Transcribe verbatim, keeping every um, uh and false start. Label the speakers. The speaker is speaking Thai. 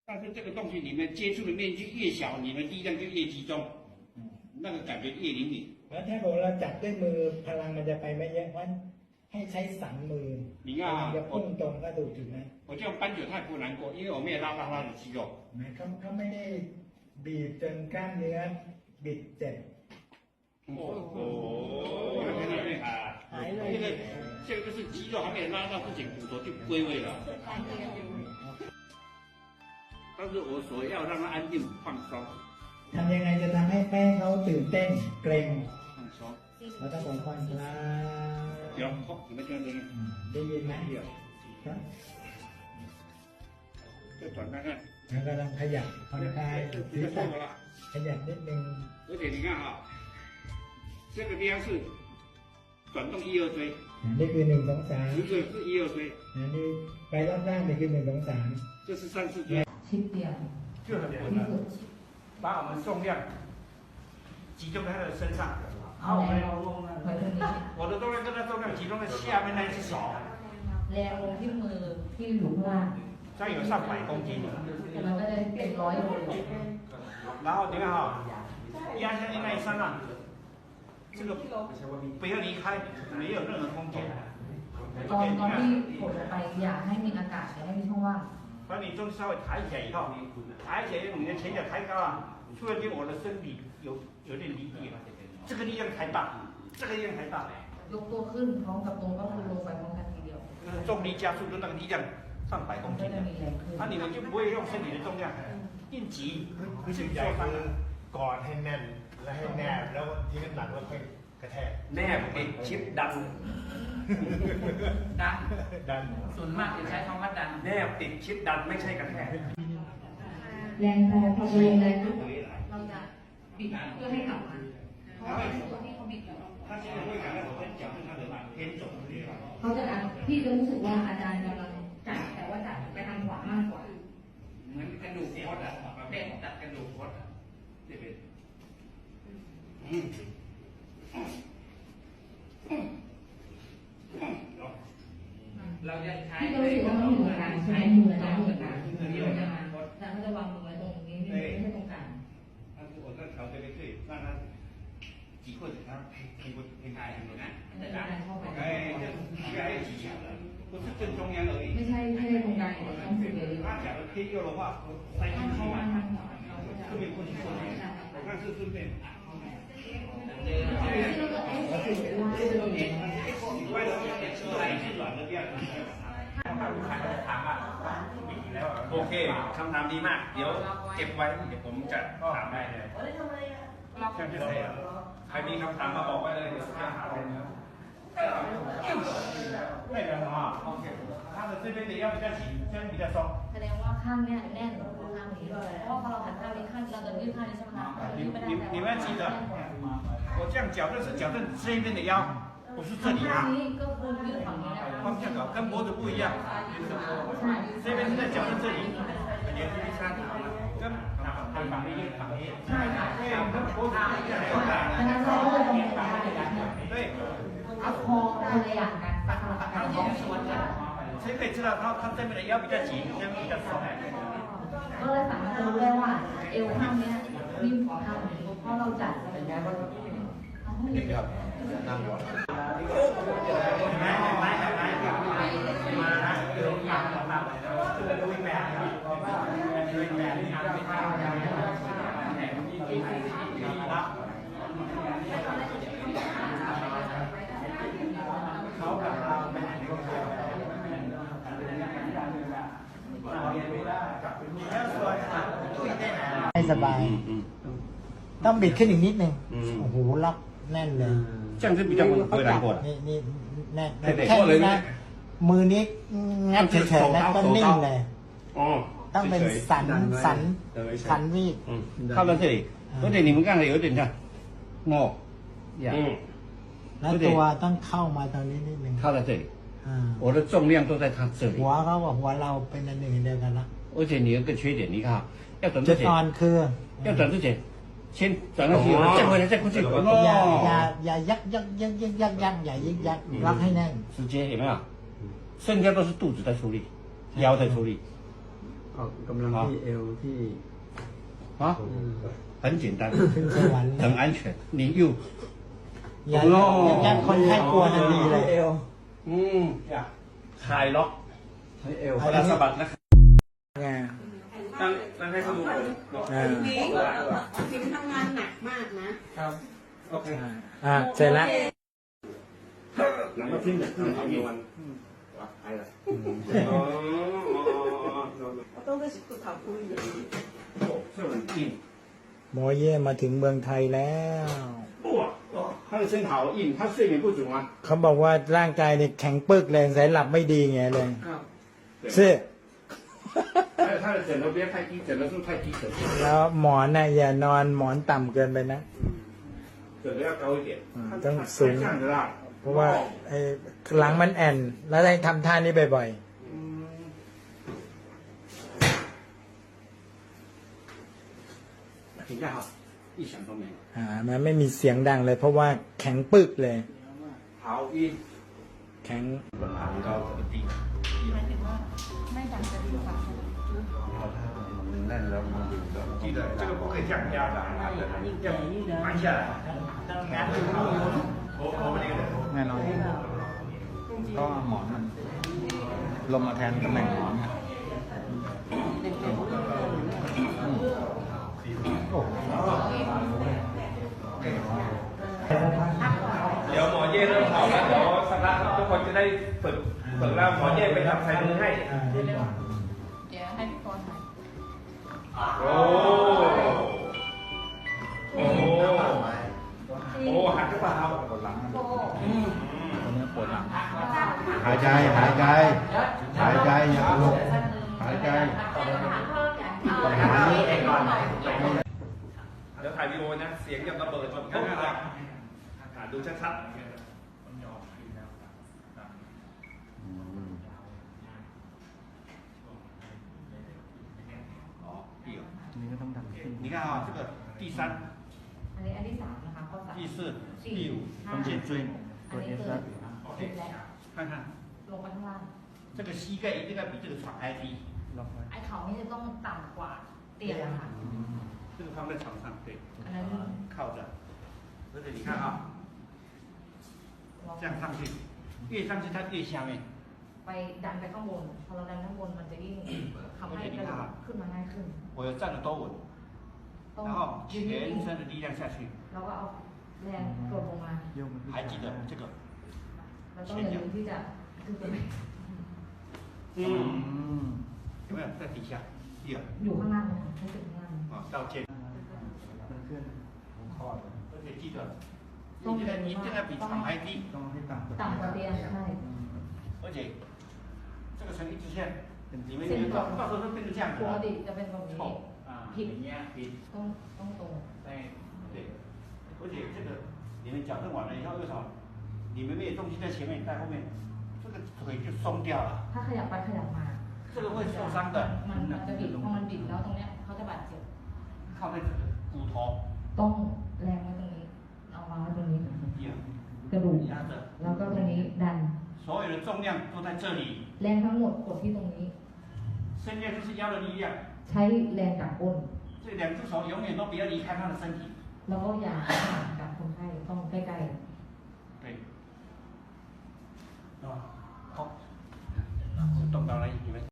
Speaker 1: 但是这个东西你们接触的面积越小，你们力量就越集中，那个感觉越灵敏。
Speaker 2: แล้วถ้าเราจับด้วยมือพลังมันจะไปไม่เยอะเพราะให้ใช้สันมือพลังจะพุ่งตรงก็ดูถูกไหม
Speaker 1: 我这样搬久太不难过，因为我没有拉拉拉的肌肉。
Speaker 2: เขาเขาไม่ได้บีบจนกล้ามเนื้อบิดเจ็บ
Speaker 1: 哦，这个这个就是肌肉还没有拉到之前，骨头就归位了。但是我所要让它安定放松。
Speaker 2: ทำยังไงจะทำให้แม่เขาตื่นเต้นเกรง
Speaker 1: 放松。
Speaker 2: เราต้องผ่อนคลาย
Speaker 1: 有，好，你们听到声音？
Speaker 2: ได้ยินไหม
Speaker 1: 有。再转看看。
Speaker 2: แล้วก็ลองขยับผ่อนคลายศีรษะขยับนิดนึง
Speaker 1: 而且你看哈，这个地方是转动一二椎，
Speaker 2: นี่คือหนึ่งสองสาม
Speaker 1: 这个是一二椎，
Speaker 2: อันนี้ไปรอบล่างนี่คือหนึ่งสองสาม
Speaker 1: 这是三四椎，
Speaker 3: 轻点，
Speaker 1: 就很稳了。把我们重量集中在他的身上，好，我们我的重量跟他重量集中在下面那一只手，
Speaker 3: แรงลงที่มือที่อยู่ข้างล่าง
Speaker 1: 这样有上百公斤。
Speaker 3: แต่มันก็จะเป็นร้อยโล
Speaker 1: 然后你看哈，压下去那一刹那，这个不要离开，没有任何空间。
Speaker 3: ตอนตอนที่กดลงไปอย่าให้มีอากาศอย่าให้มีช่องว่าง
Speaker 1: 把你都稍微抬起来以后，抬起来你的前脚抬高啊，突然间我的身体有有点离地了，这个力量太大，这个力量太大。
Speaker 3: ยกตัวขึ้นพร้อมกับตรงก็คือลงไปพร้อมกันทีเดียว
Speaker 1: 就是重力加速的那个力量上百公
Speaker 3: ก็
Speaker 1: 斤
Speaker 3: จะ
Speaker 1: 的，
Speaker 3: มีแรงขึ้น
Speaker 1: 那、啊、你们就不会用身体的重量硬挤，
Speaker 4: รู้สึกใหญ่คือกอดให้แน่นและให้แนบแล้วที่น้ำหนักแล้วค่อยกระแทก
Speaker 5: แนบติดชิดดัน
Speaker 6: ดัน
Speaker 4: ดัน
Speaker 6: ส่วนมากจะใช้คำว่าดัน
Speaker 5: แนบติดชิดดันไม่ใช่กระแทก
Speaker 3: แรงพอพอลงแรงปุ๊บเราจะบิดเพื่อให้กลับมาเพราะว่าตัวที่เขาบิดอยู่
Speaker 1: 他现在会感到我的脚是他的偏左的地方。
Speaker 3: เขาจะพี่จะรู้สึกว่าอาจารย์กำลังจัดแต่ว่าจัดไปทางขวามากกว่า
Speaker 6: เหมือนกระดูกคดอ่ะเด็กตัดกระดูกคดอ่ะ
Speaker 1: 这边。嗯。
Speaker 6: เราจะใช้
Speaker 3: พี่ก็รู้สึกว่ามันเหมือนกันใช้มืออาจารย์เหมือนกันเดียวกันอาจารย์ก็จะวางมือไว้ตรงนี้ไม่ใช่ตรงกลาง
Speaker 1: 但是我在调这边可以让他挤或者他可以可以开很难。
Speaker 3: อาจารย์เข้าไป
Speaker 1: 哎，这越来越挤小了，不是正中央而已。
Speaker 3: ไม่ใช่ไม่ใช่ตรงกลางแต่ต้องสุดเลย
Speaker 1: 他假如偏右的话，塞进
Speaker 3: ถ้า
Speaker 1: 去
Speaker 3: เขาวาง
Speaker 1: 嘛，
Speaker 3: ทางขวาเราก็จะ
Speaker 1: 顺便过去过去，那是顺便。
Speaker 6: เจอ
Speaker 3: ที่เราจะเอ๊ะคือว่า
Speaker 1: 歪了出来是软的这样子。
Speaker 5: โอเคคำถามดีมาก เดี๋ยวเก็บไว้ เดี๋ยวผมจะถามได้เลย
Speaker 1: 像这样。
Speaker 5: ใครมีคำถามมาบอกไว้เลยเดี๋ยวจะถามเลยนะ
Speaker 1: 那个什么，他的这边的腰比较紧，这边比较松。
Speaker 3: แสดงว่าข้างเนี้ยแน่นกว่าข้างนี้เพราะว่าพอเราหันข้างนี้ข้างเราจะยืดข้างนี้ใช่ไหมคะ
Speaker 1: 你你你们要记得，我这样矫正是矫正这边的腰，不是这里
Speaker 3: ข้าง
Speaker 1: 啊。
Speaker 3: นี้ก็คือยืดฝั่งนี้นะคะ
Speaker 1: 方向搞跟脖子不一样，这边是在矫正这里，也是第三条了，跟跟ฝั่งนี้ฝั่งนี้
Speaker 3: ใช่ค่ะ
Speaker 1: 对，跟脖子不一样，
Speaker 3: ดังนั้นเราก็จะตรงนี้ได้
Speaker 1: 对。
Speaker 3: เอาคอคนละอย่างกันสลับกันสองส่วนกัน
Speaker 1: 所以可以知道他他这边的腰比较紧，这边比较松。
Speaker 3: ก็เลยสามารถจะรู้ได้ว่าเอวข้างเนี้ยวิ่งขอข้างนี้เพราะเราจัดเป็นแบบว่า
Speaker 4: ครับนั่งก่อน
Speaker 1: 来来来来，มานะเดี๋ยวอยากมาจะดูอีกแบบนึงดูอีกแบบนึงครับเขากับเราเป็น
Speaker 2: ให้สบายต้องบิดขึ้นอีกนิดนึงโอ้โหล็อกแน่นเลย
Speaker 1: 这样是比较不会难过的。
Speaker 2: นี่นี่แน่น
Speaker 1: เด็กๆ
Speaker 2: แค่
Speaker 1: ก็เลย
Speaker 2: นี้
Speaker 1: ไม่
Speaker 2: นะมือนี้งัดเฉยๆนะต้องนิ่งเลย
Speaker 1: 哦，
Speaker 2: ต้องเป็นสันสันสันวีด
Speaker 1: 嗯，靠到这里，而且你们刚才有点像，哦，嗯，
Speaker 2: แล้วตัวต้องเข้ามาตรงนี้นิดนึง
Speaker 1: 靠在这里，
Speaker 2: อ่า
Speaker 1: 我的重量都在他这里
Speaker 2: หัว。เขากับหัวเราเป็นอันหนึ่งอันเดียวกันละ
Speaker 1: 而且你有个缺点，你看啊，要转
Speaker 2: จุ
Speaker 1: 之
Speaker 2: ดอ่อน
Speaker 1: 前，
Speaker 2: คือ
Speaker 1: 要转之前，先转上去，再回来，再过去。
Speaker 2: อย่าอย่า
Speaker 1: 哦，
Speaker 2: อย่ายักยักยักยักยักยักอย่ายึกยักล็อกให้แน่น
Speaker 1: 直接有没有？剩下都是肚子在出力，腰在出力。
Speaker 7: ออกกำลังที่เอวที่
Speaker 8: 啊，很简单，
Speaker 2: ขึ้นสวรรค์
Speaker 8: 很安全。你又，
Speaker 2: อย่าอย่าคนไข้กลัวทันทีเลยเอว
Speaker 8: 嗯，
Speaker 5: คลายล็อก
Speaker 7: ให้เอว
Speaker 5: เวลาสะบัดนะ
Speaker 2: ไง
Speaker 5: ตั้งตั้งให้เขาดูก่อน
Speaker 2: อ่า
Speaker 9: พิมพ์ทำงานหนักมากนะ
Speaker 5: ครับโอเค
Speaker 2: อ่าเสร็จแล้ว
Speaker 8: 两个听的更好用。哇，来了。
Speaker 5: อ๋อ
Speaker 9: 我都是不考虑的。
Speaker 8: 哦，这很硬。
Speaker 2: หมอเย่มาถึงเมืองไทยแล้ว
Speaker 8: 哇，他的身好硬，他睡眠不足吗？
Speaker 2: เขาบอกว่าร่างกายเนี่ยแข็งปึกเลยสายหลับไม่ดีไงเลย
Speaker 5: ครับ
Speaker 2: ซึ่ง
Speaker 8: 还有他的枕头不要太低，枕头是太低枕，
Speaker 2: แล้วหมอนน่ะอย่านอนหมอนต่ำเกินไปนะ
Speaker 8: 枕头要高一点。
Speaker 2: อืมต้องสูง
Speaker 8: 这样子啦。
Speaker 2: เพราะว่าไอ้หลังมันแอนแล้วได้ทำท่านี้บ่อย
Speaker 8: 嗯。评价好，一响都没有。
Speaker 2: ๆอ่ามันไม่มีเสียงดังเลย เพราะว่าแข็งปึกเลย
Speaker 8: 好晕。
Speaker 2: แข็ง
Speaker 5: 爬高这个地
Speaker 3: หมายถึงว่าไม่ดันจะดีกว่า
Speaker 1: 记得这个不可以这样压的，要盘下来。我我们那个人。
Speaker 7: แน่นอนก็หมอนมันลงมาแทนตำแหน่งหมอนไงโอ้
Speaker 5: เดี๋ยวหมอเย่เริ่มเผาแล้วเดี๋ยวสักพักทุกคนจะได้ฝึกฝึกแล้วหมอเย่ไปทำใส่มือให้
Speaker 3: เดี๋ยวให้พี่กรณ์ถ่าย
Speaker 5: โอ้โอ้โอ้หักหรือเปล่า
Speaker 7: ปวดหลังมันตัวนี้ปวดหลัง
Speaker 8: หายใจหายใจหายใจอย่าลงหายใจ
Speaker 5: เดี๋ยวถ่ายวีดีโอนะ เสียงยังระเบิดแบบปุ๊บเลยอ่ะดูชัดๆ
Speaker 7: นี่ก็ต้องทำขึ้น
Speaker 8: 你看啊，这个第三、
Speaker 3: อันนี้อันที่สามนะคะข้อสาม
Speaker 8: 第四、
Speaker 3: สี่
Speaker 8: 第五，
Speaker 3: ห้า
Speaker 7: ต้อง
Speaker 3: อัน
Speaker 7: เจ็
Speaker 3: นี้
Speaker 7: บช่วย
Speaker 3: เกิด
Speaker 7: ตัวเอฟ
Speaker 3: เกิ
Speaker 7: แล้
Speaker 3: ด
Speaker 7: ว
Speaker 3: ผิดแล้ว
Speaker 8: 看看
Speaker 3: ลงไปข้างล่าง
Speaker 8: 这个膝盖一定要比这个床还低。
Speaker 7: ล็อกไว้
Speaker 3: ไอ้เขานี่จะต้องต่ำกว่าเตียงอะค่ะ
Speaker 8: 这个放在床上，对，
Speaker 3: อันนั้น
Speaker 8: 靠着。而且你看啊，
Speaker 3: ลอง
Speaker 8: 这样上去，越上去它越下面。
Speaker 3: ไปดันไปข้างบน พอเราดันข้างบนมันจะยิ่งทำให้กระดูกขึ้นมาง่ายขึ้น
Speaker 8: 我要站得多稳，
Speaker 3: ต้อง
Speaker 8: 然后
Speaker 3: ยืนนิ่
Speaker 8: 全
Speaker 3: ง
Speaker 8: 身的力量下去，
Speaker 3: ๆแล้วก็เอาแรงกดลงมา
Speaker 7: โยกมันขึ้น
Speaker 8: 还记得这个？
Speaker 3: แล้วต้องอย่าลืมที่จะคือเป็น
Speaker 8: 嗯，
Speaker 7: ม
Speaker 8: 有没有在底下？第二，
Speaker 3: อยู่ข้างล่างนะคะรู้สึกข้างล่าง
Speaker 8: 啊，到肩，
Speaker 7: มันเคลื่อนคอดเลย
Speaker 8: 而且记得，你这个你这个比床还低，
Speaker 7: ต้องให้ต่ำกว่า
Speaker 3: ต่ำกว่าเตียงใช่
Speaker 8: 而且这个成一直线，你们你们到到时候都变成这样子
Speaker 3: ปก
Speaker 8: 了
Speaker 3: ติ。จะเป็นแบบนี้
Speaker 8: 错啊，
Speaker 3: ผิด
Speaker 8: 你呀，ผิด
Speaker 3: ต้องต้องตรง
Speaker 8: 对对，而且这个你们矫正完了以后，为什么？你们没有东西在前面，在后面，这个腿就松掉了，
Speaker 3: ถ้าขยับไปขยับมา
Speaker 8: 这个会受伤的。
Speaker 3: มันมันจะบิดพอมันบิดแล้วตรงเนี้ยเขาจะบาดเจ็บ
Speaker 8: 靠在这个骨头，
Speaker 3: ต้องแรงไว้ตรงนี้ เอาวางไว้ตรงนี้
Speaker 8: 一样
Speaker 3: กระดูก
Speaker 8: 压着，
Speaker 3: แล้วก็ตรงนี้ดัน
Speaker 8: 所有的重量都在这里，
Speaker 3: แรงทั้งหมดกดที่ตรงนี้
Speaker 8: 伸下就是腰的力量。
Speaker 3: ใช้แรงจากก้น
Speaker 8: 这两只手永远都不要离开他的身体。
Speaker 3: แล้วก็อย่าห่างกับคนไข้ต้องใกล้ๆ
Speaker 8: 对，啊，好，动到了，你们。